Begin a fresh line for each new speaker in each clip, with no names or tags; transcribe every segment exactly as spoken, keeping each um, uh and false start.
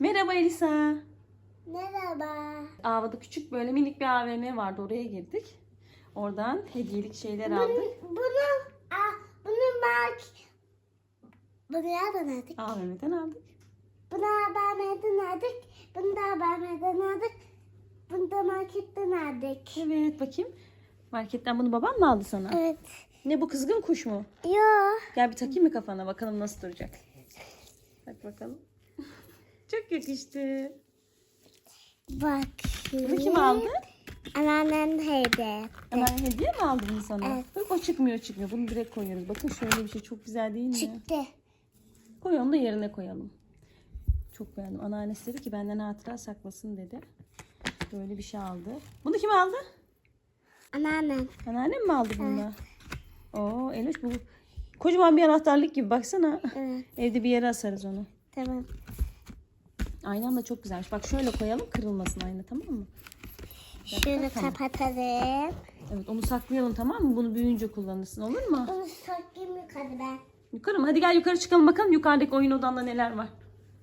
Merhaba Elisa.
Merhaba.
Ava'da küçük böyle minik bir A V M vardı. Oraya girdik. Oradan hediyelik şeyler aldık.
Bunu, bunu, aa, bunu bak. Bunu nereden aldık?
A V M'den aldık.
Bunu haberlerden aldık. Bunu da haberlerden aldık. Bunu da marketten aldık.
Evet bakayım. Marketten bunu baban mı aldı sana?
Evet.
Ne bu, kızgın kuş mu?
Yo.
Gel bir takayım mı kafana, bakalım nasıl duracak. Bak bakalım. Çok yakıştı.
Bak.
Bunu kim aldı?
Anneannem hediye.
Hemen hediye mi aldı bunu sana?
Evet.
Bak o çıkmıyor çıkmıyor. Bunu direkt koyuyoruz. Bakın şöyle bir şey çok güzel değil mi?
Çıktı.
Koy onu da yerine koyalım. Çok beğendim. Anneannesi dedi ki benden hatıra saklasın dedi. Böyle bir şey aldı. Bunu kim aldı?
Anneannem.
Anneannem mi aldı bunu da? Oo Eloş, bu kocaman bir anahtarlık gibi, baksana.
Evet.
Evde bir yere asarız onu.
Tamam.
Aynan da çok güzelmiş. Bak şöyle koyalım, kırılmasın ayna, tamam mı?
Şunu
Tamam.
kapatalım.
Evet, onu saklayalım, tamam mı? Bunu büyüyünce kullanırsın, olur mu?
Bunu saklayayım yukarı ben.
Yukarı mı? Hadi gel yukarı çıkalım bakalım yukarıdaki oyun odanda neler var.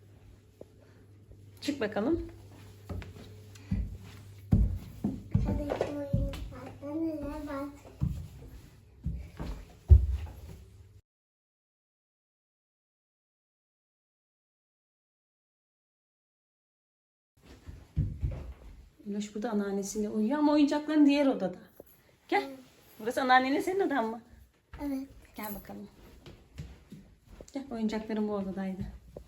Çık bakalım.
Yukarıdaki oyun parkta neler var?
Eloş burada anneannesiyle uyuyor ama oyuncakların diğer odada. Gel. Burası anneannenin, senin odan mı?
Evet.
Gel bakalım. Gel, oyuncakların bu odadaydı.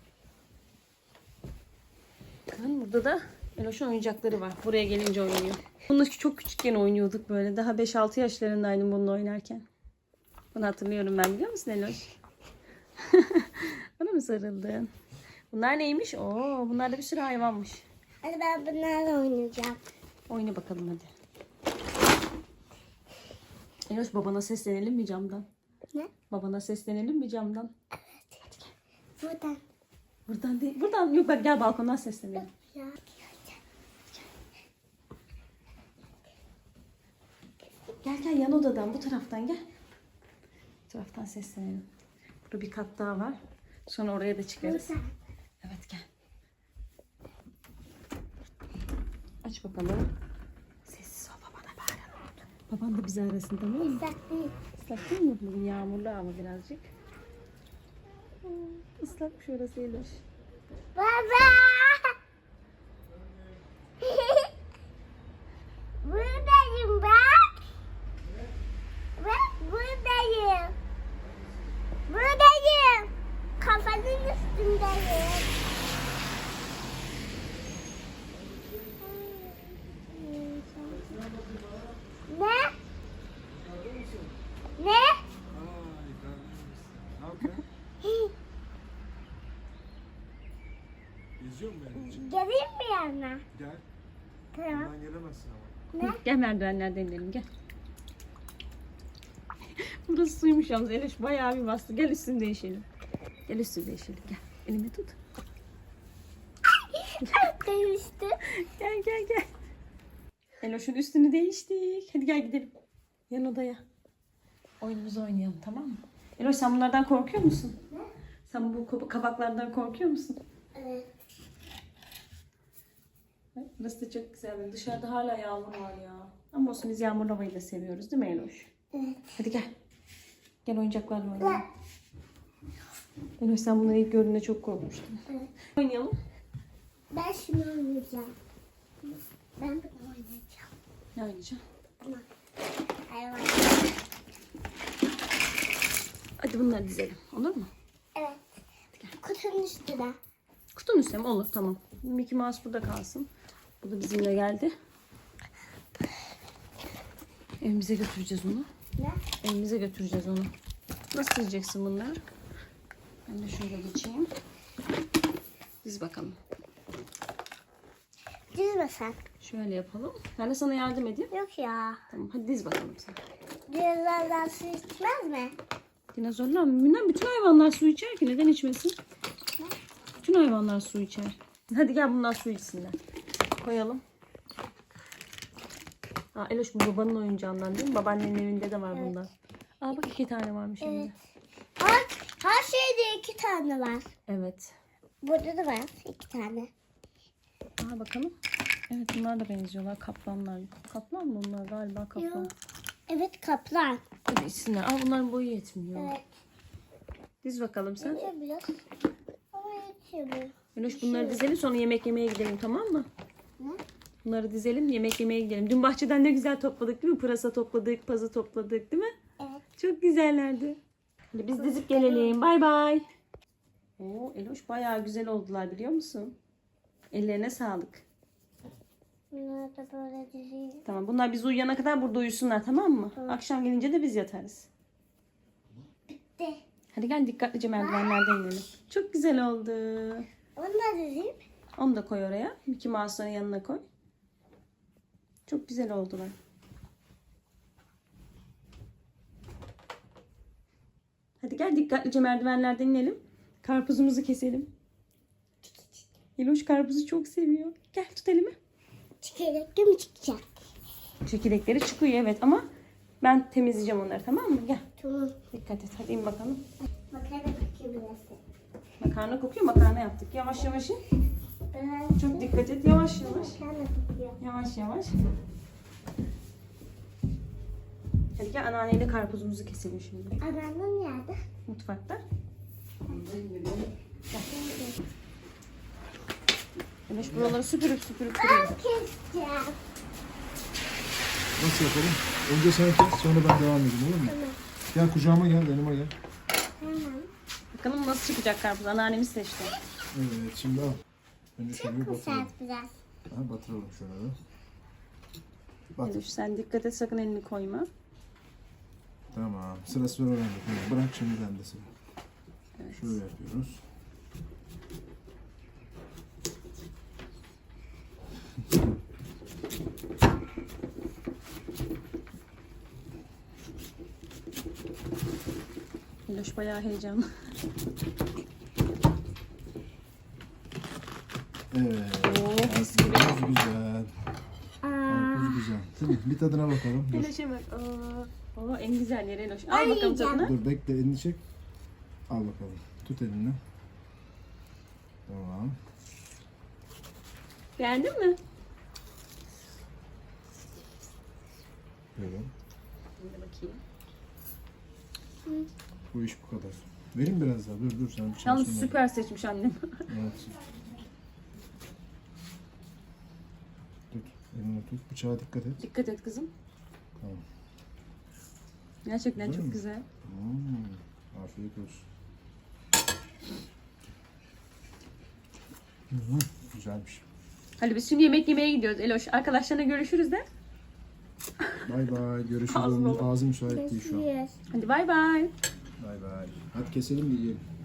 Bakın burada da Eloş'un oyuncakları var. Buraya gelince oynuyor. Bununla çok küçükken oynuyorduk böyle. Daha beş altı yaşlarındaydım bununla oynarken. Bunu hatırlıyorum ben, biliyor musun Eloş? Bana mı sarıldın? Bunlar neymiş? Oo, bunlar da bir sürü hayvanmış.
Hadi ben bunlarla oynayacağım.
Oyna bakalım hadi. Eloş, babana seslenelim mi camdan?
Ne?
Babana seslenelim mi camdan?
Buradan.
Buradan değil. Buradan yok, bak gel balkondan seslenelim.
Ya.
Gel gel, yan odadan, bu taraftan gel. Bu taraftan seslenelim. Burada bir kat daha var. Sonra oraya da çıkarız.
Buradan.
Evet gel. Aç bakalım. Sessiz ol, babana bağıralım. Baban da bizi arasın, tamam mı?
Islak değil.
Islak değil mi? Bugün yağmurlu ama birazcık. Hmm, Islakmış orası Eloş.
Baba. Buradayım bak. Bak buradayım. Buradayım. Kafanın üstündeyim. Ne? Ne?
Ne yapıyorsun? İzliyor musun beni?
Geleyim mi yanına?
Gel.
Tamam.
Buradan gelemezsin ama.
Ne?
Gel merdivenlerden inelim, gel. Burası suymuş yalnız Eloş, bayağı bir bastı. Gel üstünü değişelim. Gel üstünü değişelim, gel. Elimi tut.
Demişti.
Gel gel gel. Eloş'un üstünü değiştik. Hadi gel gidelim. Yan odaya. Oyunumuzu oynayalım, tamam mı? Eloş, sen bunlardan korkuyor musun?
Ne?
Sen bu kab- kabaklardan korkuyor musun?
Evet.
Bak, burası da çok güzel. Dışarıda hala yağmur var ya. Ama olsun, biz yağmurlu havayı da seviyoruz değil mi Eloş?
Evet.
Hadi gel. Gel oyuncaklarla oynayalım. Eloş, sen bunları ilk gördüğünde çok korkmuştun.
Evet.
Oynayalım.
Ben şunu oynayacağım. Ben bunu oynayacağım.
Ne oynayacaksın?
Tamam. Hayvan.
Hadi bunları dizelim. Olur mu?
Evet. Kutunun üstüne.
Kutunun üstüne mi? Olur, tamam. Mickey Mouse burada kalsın. Bu da bizimle geldi. Evimize götüreceğiz onu.
Ne?
Evimize götüreceğiz onu. Nasıl dizeceksin bunları? Ben de şöyle geçeyim. Diz bakalım.
Dizme sen.
Şöyle yapalım. Ben de sana yardım edeyim.
Yok ya.
Tamam, hadi diz bakalım sen.
Dinozorlar su içmez mi?
Dinozorlar mı? Bilmem, bütün hayvanlar su içer ki, neden içmesin? Bütün hayvanlar su içer. Hadi gel bunlar su içsinler. Koyalım. Aa, Eloş, bu babanın oyuncağından değil mi? Babaannenin evinde de var bundan. Aa bak, iki tane varmış
Evet.
evde.
Her, her şeyde iki tane var.
Evet.
Burada da var iki tane.
Aa, bakalım. Evet, bunlar da benziyorlar. Kaplanlar. Kaplan mı bunlar? Galiba kaplan.
Yok. Evet kaplan.
Hadi içsinler. Aa, bunların boyu yetmiyor.
Evet.
Diz bakalım sen.
Yetiyor biraz. Ama yetiyor.
Eloş, bunları dizelim, sonra yemek yemeye gidelim, tamam mı?
Ne?
Bunları dizelim, yemek yemeye gidelim. Dün bahçeden ne güzel topladık değil mi? Pırasa topladık, pazı topladık değil mi?
Evet.
Çok güzellerdi. Hadi biz dizip gelelim. Bay bay. Oo, Eloş bayağı güzel oldular, biliyor musun? Ellerine sağlık.
Bunları da böyle dizeyim.
Tamam, bunlar biz uyuyana kadar burada uyusunlar, tamam mı? Akşam gelince de biz yatarız.
Bitti.
Hadi gel, dikkatlice merdivenlerden inelim. Çok güzel oldu.
Onu da dizeyim.
Onu da koy oraya. Mickey Mouse'ların yanına koy. Çok güzel oldular. Hadi gel, dikkatlice merdivenlerden inelim. Karpuzumuzu keselim. Eloş karpuzu çok seviyor. Gel, tut elimi.
Çekirdek mi çıkacak?
Çekirdekleri çıkıyor evet, ama ben temizleyeceğim onları, tamam mı? Gel.
Tamam.
Dikkat et. Hadi in bakalım.
Makarna bakıyor biraz.
Makarna kokuyor. Makarna yaptık. Yavaş yavaş in.
Ben
Çok dikkat et. Yavaş yavaş.
makarna kokuyor.
Yavaş yavaş. Hadi gel, anneanneyle karpuzumuzu keselim şimdi.
Anneannem nerede?
Mutfakta. Eloş buraları süpürüp süpürüp duruyor.
Keseceğim.
Nasıl yapalım? Önce sen kes, sonra ben devam edeyim, olur mu?
Tamam.
Gel kucağıma gel, yanıma gel.
Tamam.
Bakalım nasıl çıkacak karpuz. Anneannemiz seçti.
Evet, şimdi al. Önce şöyle bir
Çok
batıralım.
sert biraz.
Ha, batıralım şöyle. Batır.
Eloş sen dikkat et, sakın elini koyma.
Tamam. Sıra sıra öğrendik. Evet, bırak şimdi bende sıra.
Evet.
Şöyle yapıyoruz.
Eloş bayağı heyecanlı.
Evet.
Oo, mis gibi.
Karpuz güzel.
Aa,
Karpuz güzel. Değil mi? Bir tadına bakalım. Dur.
Eloş'a bak. Aa, oo, en güzel yeri Eloş. Al
Ay,
bakalım
yiyeceğim.
tadına.
Dur bekle, elini çek. Al bakalım. Tut elini. Tamam.
Beğendin mi?
Böyle.
Şimdi bakayım.
Bu iş bu kadar. Verin biraz daha. Dur dur sen bir
Yalnız
çalışsın.
süper seçmiş annem.
Evet. Tut. Elini tut. Bıçağa dikkat et.
Dikkat et kızım.
Tamam.
Gerçekten
Güzel
çok
mi?
güzel.
Hmm. Afiyet olsun. Hı hı. Güzelmiş.
Hadi biz şimdi yemek yemeye gidiyoruz Eloş. Arkadaşlarına görüşürüz de.
Bay bay. Görüşürüz.
Ağzına bak.
Ağzı müsait değil şu an.
kesiyoruz.
Hadi bay bay.
Bay bay. Hadi keselim de yiyelim.